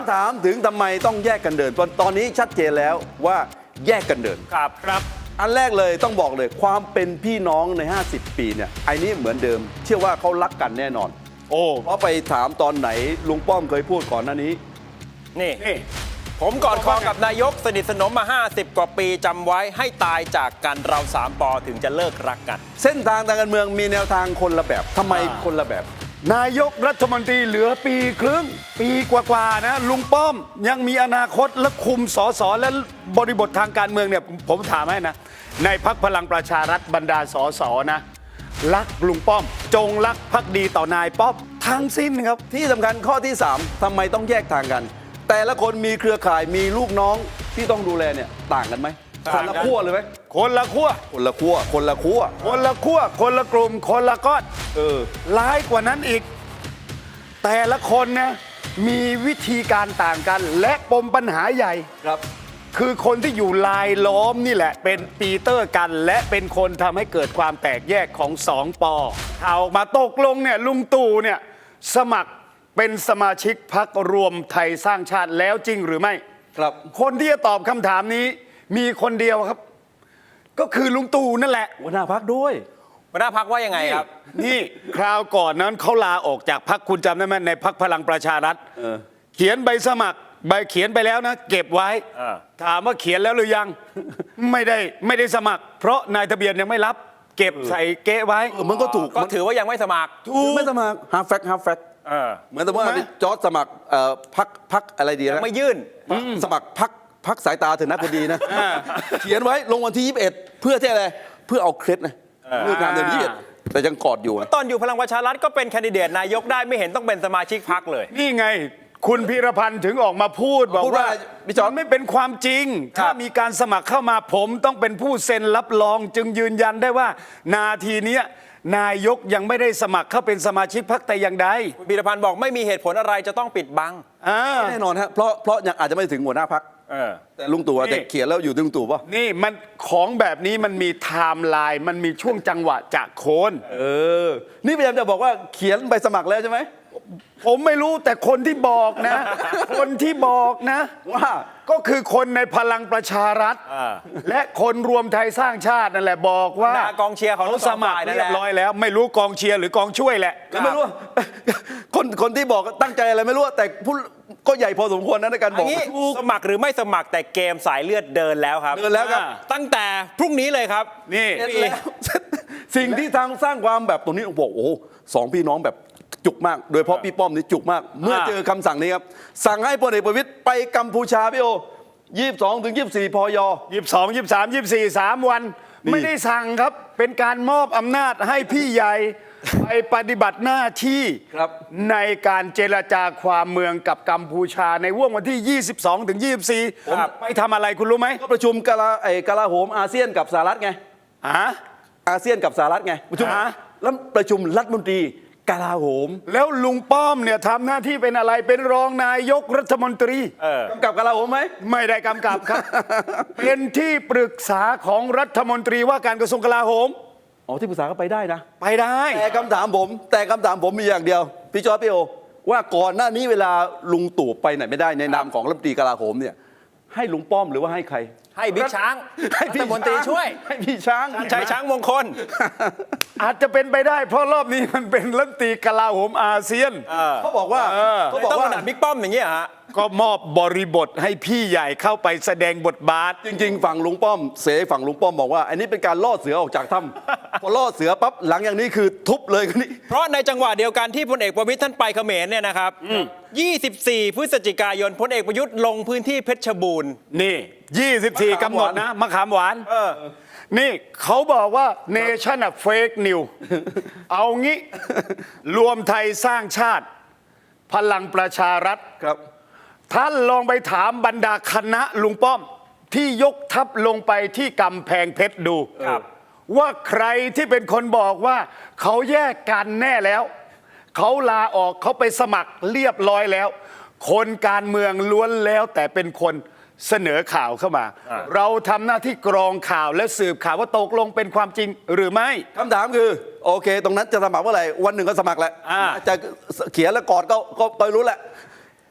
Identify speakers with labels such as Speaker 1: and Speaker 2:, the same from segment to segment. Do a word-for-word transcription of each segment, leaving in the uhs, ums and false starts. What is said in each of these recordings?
Speaker 1: ถามถึงทำไมต้องแยกกันเดินตอนนี้ชัดเจนแล้วว่าแยกกันเดิน
Speaker 2: ครับครับ
Speaker 1: อันแรกเลยต้องบอกเลยความเป็นพี่น้องในห้าสิบปีเนี่ยไอ้นี้เหมือนเดิมเชื่อว่าเขารักกันแน่นอน
Speaker 2: โอ้
Speaker 1: เพราะไปถามตอนไหนลุงป้อมเคยพูดก่อนหน้านี้
Speaker 2: นี่นี่ผมกอดคอกับนายกสนิทสนมมาห้าสิบกว่าปีจำไว้ให้ตายจากกันเราสามปอถึงจะเลิกรักกัน
Speaker 1: เส้นทางทางการเมืองมีแนวทางคนละแบบทำไมคนละแบบ
Speaker 3: นายกรัฐมนตรีเหลือปีครึ่งปีกว่าๆนะลุงป้อมยังมีอนาคตและคุมสสและบริบททางการเมืองเนี่ยผมถามให้นะในพรรคพลังประชารัฐบรรดาสสนะรักลุงป้อมจงรักภักดีต่อนายป้อมทั้งสิ้นครับ
Speaker 1: ที่สำคัญข้อที่สามทำไมต้องแยกทางกันแต่ละคนมีเครือข่ายมีลูกน้องที่ต้องดูแลเนี่ยต่างกันไหมคนละขั้วเลยไหม
Speaker 3: คนละขั้ว
Speaker 1: คนละขั้วคนละขั้ว
Speaker 3: คนละขั้วคนละกลุ่มคนละก้อน
Speaker 1: เออ
Speaker 3: ร้ายกว่านั้นอีกแต่ละคนนะมีวิธีการต่างกันและปมปัญหาใหญ่
Speaker 1: ครับ
Speaker 3: คือคนที่อยู่ลายล้อมนี่แหละเป็นปีเตอร์กันและเป็นคนทำให้เกิดความแตกแยกของสองปอเอามาตกลงเนี่ยลุงตู่เนี่ยสมัครเป็นสมาชิกพรรครวมไทยสร้างชาติแล้วจริงหรือไม่
Speaker 1: ครับ
Speaker 3: คนที่จะตอบคำถามนี้มีคนเดียวครับก็คือลุงตู่นั่นแหละ
Speaker 1: หัวหน้าพรรคด้วย
Speaker 2: หัวหน้าพรรคว่ายังไงครับ
Speaker 3: นี่คราวก่อนนั้นเขาลาออกจากพรรคคุณจำได้ไหมในพรรคพลังประชารัฐเขียนใบสมัครใบเขียนไปแล้วนะเก็บไว้ถามว่าเขียนแล้วหรือยังไม่ได้ไม่ได้สมัคร เพราะนายทะเบียนยังไม่รับเก็บใส่เก๊ไว้
Speaker 1: มันก็ถูก
Speaker 2: ก็ถือว่ายังไม่สมัคร
Speaker 1: ถูกไม่สมัครฮาร์ฟแฟกฮาร์ฟแฟกเหมือนแต่ว่าจอร์จสมัครพักพักอะไรดีนะ
Speaker 2: ไม่ยื่น
Speaker 1: สมัครพักพักสายตาเถอะนะพอดีนะเขียนไว้ลงวันที่ยี่สิบเอ็ดเพื่อที่อะไรเพื่อเอาเคล็ดนะเลือกงานเดือนยี่สิบเอ็ดแต่ยังกอดอยู่
Speaker 2: ตอนอยู่พลังประชารัฐก็เป็นแคนดิเดตนายกได้ไม่เห็นต้องเป็นสมาชิกพรรคเลย
Speaker 3: นี่ไงคุณพีรพันธ์ถึงออกมาพูดบอกว่า
Speaker 1: พี่จอร์จ
Speaker 3: ไม่เป็นความจริงถ้ามีการสมัครเข้ามาผมต้องเป็นผู้เซ็นรับรองจึงยืนยันได้ว่านาทีนี้นายกยังไม่ได้สมัครเข้าเป็นสมาชิกพรรคแต่อย่างใด
Speaker 2: คุณพีรพันธ์บอกไม่มีเหตุผลอะไรจะต้องปิดบัง
Speaker 1: แน่นอนฮะเพราะเพราะยังอาจจะไม่ถึงหัวหน้าพรรคแต่ลุงตู่แต่เขียนแล้วอยู่ที่ลุงตู่ป่ะ
Speaker 3: นี่มันของแบบนี้มันมีไทม์ไลน์มันมีช่วงจังหวะจากโคน
Speaker 1: เออนี่พยายามจะบอกว่าเขียนใบสมัครแล้วใช่ไหม
Speaker 3: ผมไม่รู้แต่คนที่บอกนะ คนที่บอกนะ
Speaker 1: ว่า
Speaker 3: ก็คือคนในพลังประชารัฐและคนรวมไทยสร้างชาตินั่นแหละบอกว่าก
Speaker 2: องเชียร์ของ
Speaker 3: เขาสมัครเรียบร้อยแล้วไม่รู้กองเชียร์หรือกองช่วยแหละ
Speaker 1: ไม่รู้คนคนที่บอกตั้งใจอะไรไม่รู้แต่พูดก็ใหญ่พอสมควรนะในการบอก
Speaker 2: สมัครหรือไม่สมัครแต่เกมสายเลือดเดินแล้วครับ
Speaker 1: เดินแล้วครับ
Speaker 2: ตั้งแต่พรุ่งนี้เลยครับ
Speaker 3: นี่
Speaker 1: สิ่งที่ทางสร้างความแบบตรงนี้บอกโอ้สองพี่น้องแบบจุกมากโดยเฉพาะพี่ป้อมนี่จุกมากเมื่อเจอคำสั่งนี้ครับสั่งให้พลเอกประวิตรไปกัมพูชาพี่โอยี่สิบสองถึงยี่สิบสี่พย
Speaker 3: ยี่สิบสองยี่สิบสามยี่สิบสี่สามวันไม่ได้สั่งครับเป็นการมอบอำนาจให้พี่ใหญ่ไปปฏิบัติหน้าที่ในการเจรจาความเมืองกับกัมพูชาในว่วงวันที่ยี่สิบสองถึงยี่สิบสี่ไปทำอะไรคุณรู้ไหม
Speaker 1: ก็ประชุมกลาไอ้กลาโหมอาเซียนกับสหรัฐไง
Speaker 3: อ่ะ
Speaker 1: อาเซียนกับสหรัฐไงประชุมแล้วประชุมรัฐมนตรีกลาโหม
Speaker 3: แล้วลุงป้อมเนี่ยทำหน้าที่เป็นอะไรเป็นรองนายกรัฐมนตรี
Speaker 1: กำกับกลาโหมไหม
Speaker 3: ไม่ได้กำกับครับ เป็นที่ปรึกษาของรัฐมนตรีว่าการกระทรวงกลาโหม
Speaker 1: อ๋อที่ปรึกษาก็ไปได้นะ
Speaker 3: ไปได้
Speaker 1: แต่คำถามผมแต่คำถามผมมีอย่างเดียวพี่จอร์จพี่โอว่าก่อนหน้านี้เวลาลุงตู่ไปไหนไม่ได้ในนามของรัฐมนตรีกลาโหมเนี่ยให้ลุงป้อมหรือว่าให้ใคร
Speaker 2: ให้บิ๊กช้าง
Speaker 1: ให้
Speaker 2: รัฐมนตรีช่วย
Speaker 1: ให้พี่ช้าง
Speaker 2: ชัยช้างมงคล
Speaker 3: อาจจะเป็นไปได้เพราะรอบนี้มันเป็นรัฐมนตรีกลาโหมอาเซียน
Speaker 1: เขาบอกว่า
Speaker 2: เขาบอกว่าบิ๊กป้อมอย่างเงี้ยฮะ
Speaker 3: ก็มอบบริบทให้พี่ใหญ่เข้าไปแสดงบทบาท
Speaker 1: จริงๆฝั่งลุงป้อมเสฝั่งลุงป้อมบอกว่าอันนี้เป็นการล่อเสือออกจากถ้ำพอล่อเสือปั๊บหลังอย่างนี้คือทุบเลยนี่
Speaker 2: เพราะในจังหวะเดียวกันที่พลเอกประวิตรท่านไปเขมรเนี่ยนะครับยี่สิบสี่พฤศจิกายนพลเอกประยุทธ์ลงพื้นที่เพชรบูรณ์
Speaker 3: นี่ยี่สิบสี่กำหนดนะมะขามหวานนี่เขาบอกว่าเนชั่นอะเฟกนิวเอางี้รวมไทยสร้างชาติพลังประชารัฐ
Speaker 1: ครับ
Speaker 3: ท่านลองไปถามบรรดาคณะลุงป้อมที่ยกทัพลงไปที่กำแพงเพชรดูว่าใครที่เป็นคนบอกว่าเขาแยกกันแน่แล้วเขาลาออกเขาไปสมัครเรียบร้อยแล้วคนการเมืองล้วนแล้วแต่เป็นคนเสนอข่าวเข้ามาเราทำหน้าที่กรองข่าวและสืบข่าวว่าตกลงเป็นความจริงหรือไม่
Speaker 1: คำถามคือโอเคตรงนั้นจะสมัครเมื่อไหร่วันหนึ่งก็สมัครแหละจะเขียนแล้วกอดก็ก็รู้แหละ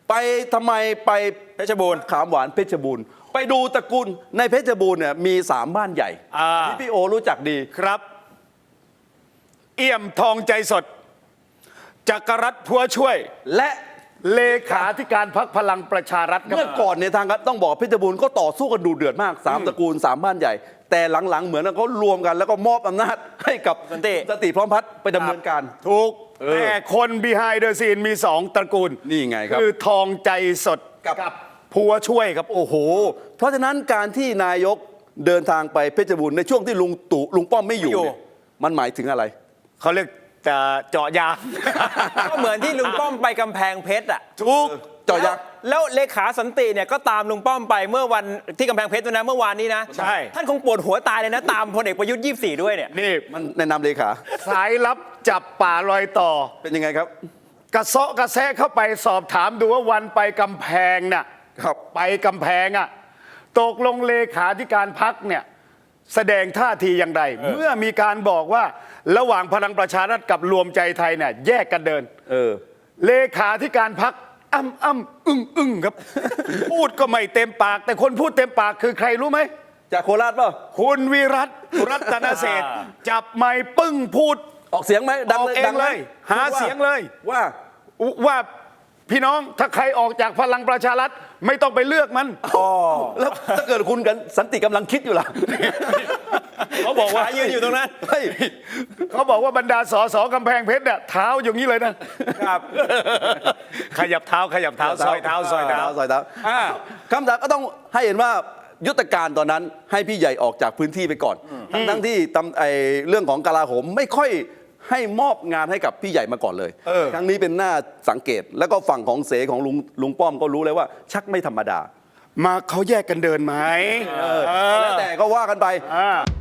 Speaker 1: ไปทำไมไป
Speaker 2: เพชรบูรณ์
Speaker 1: ขามหวานเพชรบูรณ์ไปดูตระกูลในเพชรบูรณ์เนี่ยมีสามบ้านใหญ่
Speaker 3: อ่า
Speaker 1: ที่พี่โอรู้จักดี
Speaker 3: ครับ เอี่ยมทองใจสด จักรรัตน์พัวช่วย
Speaker 1: และ
Speaker 3: เลขาธิการพรรคพลังประชารัฐครับ
Speaker 1: เมื่อก่อนเนี่ยทางการต้องบอกเพชรบูรณ์ก็ต่อสู้กันดูเดือดมากสามตระกูลสามบ้านใหญ่ แต่หลังๆเหมือนเขารวมกัน แล้วก็มอบอำนาจให้กับ
Speaker 2: สันติ
Speaker 1: สันติพร้อมพัฒน์ไปดำเนินการ
Speaker 3: ถูก
Speaker 1: เออ
Speaker 3: แต่คน behind the scene มีสองตระกูล
Speaker 1: นี่ไงครับ
Speaker 3: คือทองใจสด
Speaker 1: กับ
Speaker 3: พัวช่วยครับ
Speaker 1: โอ้โห เพราะฉะนั้นการที่นายกเดินทางไปเพชรบูรณ์ในช่วงที่ลุงตู่ลุงป้อมไม่อยู่
Speaker 2: ไม่อยู่
Speaker 1: เนี่ยมันหมายถึงอะไร
Speaker 3: เขาเรียกจะเจาะยาง
Speaker 2: ก็เหมือนที่ลุงป้อมไปกำแพงเพชรอ่ะ
Speaker 3: ถูก
Speaker 1: เจาะยาง
Speaker 2: แล้วเลขาสันติเนี่ยก็ตามลุงป้อมไปเมื่อวันที่กำแพงเพชรด้วยนะเมื่อวานนี้นะ
Speaker 3: ใช่
Speaker 2: ท่านคงปวดหัวตายเลยนะ ตามพลเอกประยุทธ์ยี่สิบสี่ด้วยเนี่ย
Speaker 3: นี่
Speaker 1: มันในนามเลขา
Speaker 3: สายลับจับป่าลอยต่อ
Speaker 1: เป็นยังไงครับ
Speaker 3: กระเซาะกระแซะเข้าไปสอบถามดูว่าวันไปกำแพงน่ะ
Speaker 1: ครับ
Speaker 3: ไปกำแพงอ่ะตกลงเลขาธิการพักเนี่ยแสดงท่าทีอย่างไร เมื่อมีการบอกว่าระหว่างพลังประชารัฐกับรวมใจไทยเนี่ยแยกกันเดิน
Speaker 1: เออ
Speaker 3: เลขาธิการพักอ้ำอ้ำอึ้งอึ้งครับ พูดก็ไม่เต็มปาก แต่คนพูดเต็มปากคือใครรู้ไหม
Speaker 1: จากโคราชเปล่า
Speaker 3: คุณวิรัตรัตนเศรษฐ์จับไม้ปึ้งพูด
Speaker 1: ออกเสียงไหมดัง
Speaker 3: ออก
Speaker 1: เลย
Speaker 3: เอง
Speaker 1: ดังไหม
Speaker 3: เลยหา
Speaker 1: พูดว่
Speaker 3: เสียงเลย
Speaker 1: ว่า
Speaker 3: ว่าพี่น้องถ้าใครออกจากพลังประชารัฐไม่ต้องไปเลือกมัน
Speaker 1: แล้วถ้าเกิดคุณกันสันติกำลังคิดอยู่ล่ะ
Speaker 3: เขาบอกว่า
Speaker 2: ขายืนอยู่ตรงนั้น
Speaker 1: เฮ้ย
Speaker 3: เขาบอกว่าบรรดาสอสอกำแพงเพชรเนี่ยเท้าอย่างนี้เลยนะ
Speaker 2: ครับ
Speaker 3: ขยับเท้าขยับเท้าซอยเท้าซอยเท้า
Speaker 1: ซอยเท้า
Speaker 3: อ่า
Speaker 1: คำถามก็ต้องให้เห็นว่ายุทธการตอนนั้นให้พี่ใหญ่ออกจากพื้นที่ไปก่อน ทั้งทั้งที่ตำไอเรื่องของกลาโหมไม่ค่อยให้มอบงานให้กับพี่ใหญ่มาก่อนเลย
Speaker 3: เออ
Speaker 1: ครั้งนี้เป็นหน้าสังเกต แล้วก็ฝั่งของเสของลุงลุงป้อมก็รู้เลยว่า ชักไม่ธรรมดา
Speaker 3: มาเขาแยกกันเดินไหม
Speaker 1: แล้วแต่ก็ว่ากันไป
Speaker 3: อ่า